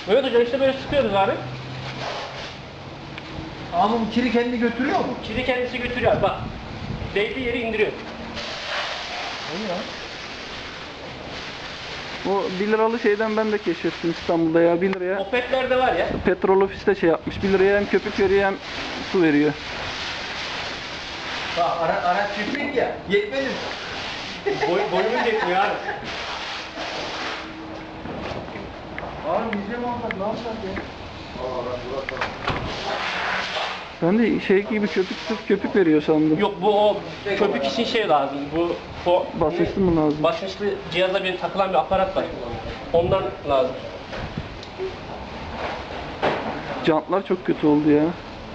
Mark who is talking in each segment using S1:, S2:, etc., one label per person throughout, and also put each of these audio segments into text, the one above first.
S1: Mehmet Hocam işte böyle sıkıyoruz abi.
S2: Ama bu kiri kendi götürüyor mu?
S1: Kiri kendisi götürüyor abi bak. Değdiği yeri indiriyor.
S2: O ya.
S3: O 1 liralı şeyden ben de keşfettim İstanbul'da ya, 1 liraya.
S1: Opet'lerde var ya.
S3: Petrol ofiste şey yapmış, 1 liraya hem köpük veriyor hem su veriyor.
S2: Bak araç çiftlik ya. Yetmedi.
S1: Boyumuz yetmiyor abi.
S2: Abi biz de mi alsak ne yapsak ya?
S3: Ben de şey gibi köpük veriyor sandım.
S1: Yok bu o köpük için şey lazım. Bu
S3: Basınçlı mı lazım?
S1: basınçlı cihaza bir takılan bir aparat var. Ondan lazım.
S3: Jantlar çok kötü oldu ya.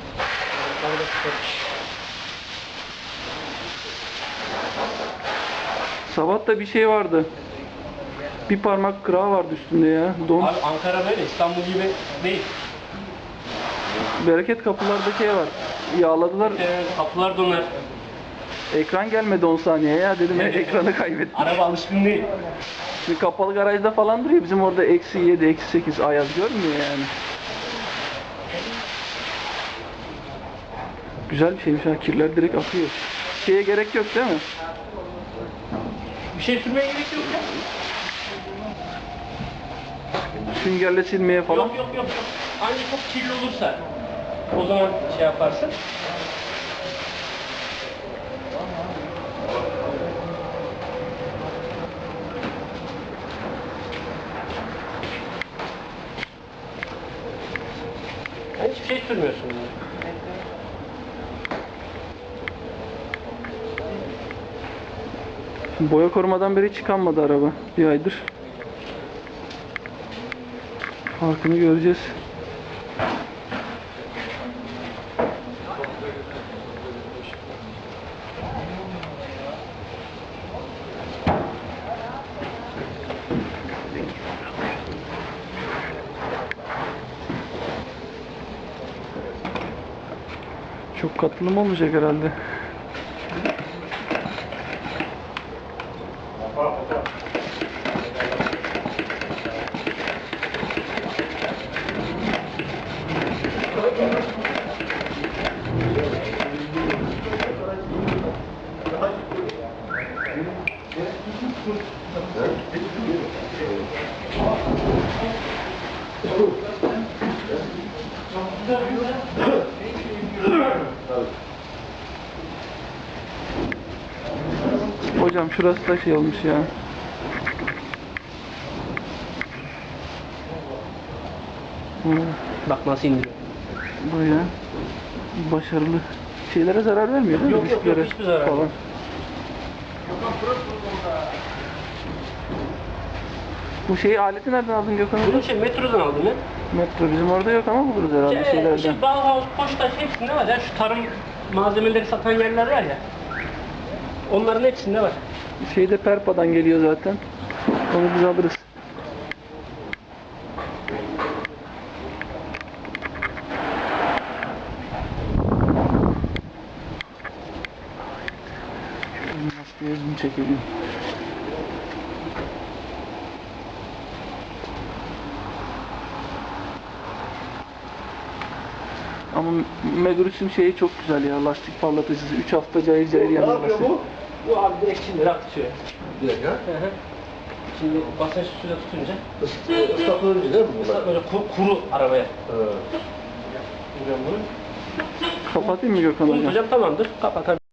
S3: Sabah da bir şey vardı. Bir parmak kırağı vardı üstünde ya. Don.
S1: Abi Ankara böyle İstanbul gibi değil.
S3: Bereket kapılarda şey var. Yağladılar.
S1: Kapılar donar.
S3: Ekran gelmedi 10 saniye ya. Dedim
S1: Evet.
S3: ekranı kaybettim.
S1: Araba alışkın değil.
S3: Şimdi kapalı garajda falan duruyor. Bizim orada -7, -8 ayaz görmüyor yani. Güzel bir şeymiş ha. Kirler direkt akıyor. Şeye gerek yok değil mi?
S1: Bir şey sürmeye gerek yok ya.
S3: Süngerle silmeye falan.
S1: Yok. Ancak çok kirli olursa o zaman şey yaparsın. Yani hiçbir şey sürmüyorsun. Yani.
S3: Boya korumadan beri hiç çıkanmadı araba. Bir aydır. Farkını göreceğiz. Çok katılım olmayacak herhalde. Hocam şurası da şey olmuş ya.
S1: Bak nasıl indiriyor.
S3: Baya başarılı. Şeylere zarar vermiyor değil mi?
S1: Yok,
S3: Disklere
S1: hiçbir zarar
S3: falan.
S1: yok.
S3: Bu şeyi aleti nereden aldın Gökhan
S1: Bunu
S3: Hoca?
S1: metrodan aldım ya.
S3: Metro bizim orada yok ama buluruz herhalde şeylerden.
S1: Bauhaus, Poştaş hepsinde var ya. Şu tarım malzemeleri satan yerler var ya. Onların hepsinde var.
S3: Şeyde Perpa'dan geliyor zaten. Onu biz alırız. Maskeye zoom çekelim. Ama Megurus'un şeyi çok güzel ya, lastik parlatıcısı. 3 hafta cayır cayır
S2: Ne
S3: yanıyor
S2: yapıyor
S3: lastik.
S2: bu?
S1: Bu abi direkt şimdi atıyor.
S2: Direkt ha?
S1: Şimdi basınç suya tutunca
S2: Islatılınca değil mi bunlar?
S1: böyle kuru arabaya.
S2: Evet.
S1: Vuruyorum bunu.
S3: Kapatayım mı Gökhan Hocam?
S1: Hocam tamamdır. Kapat.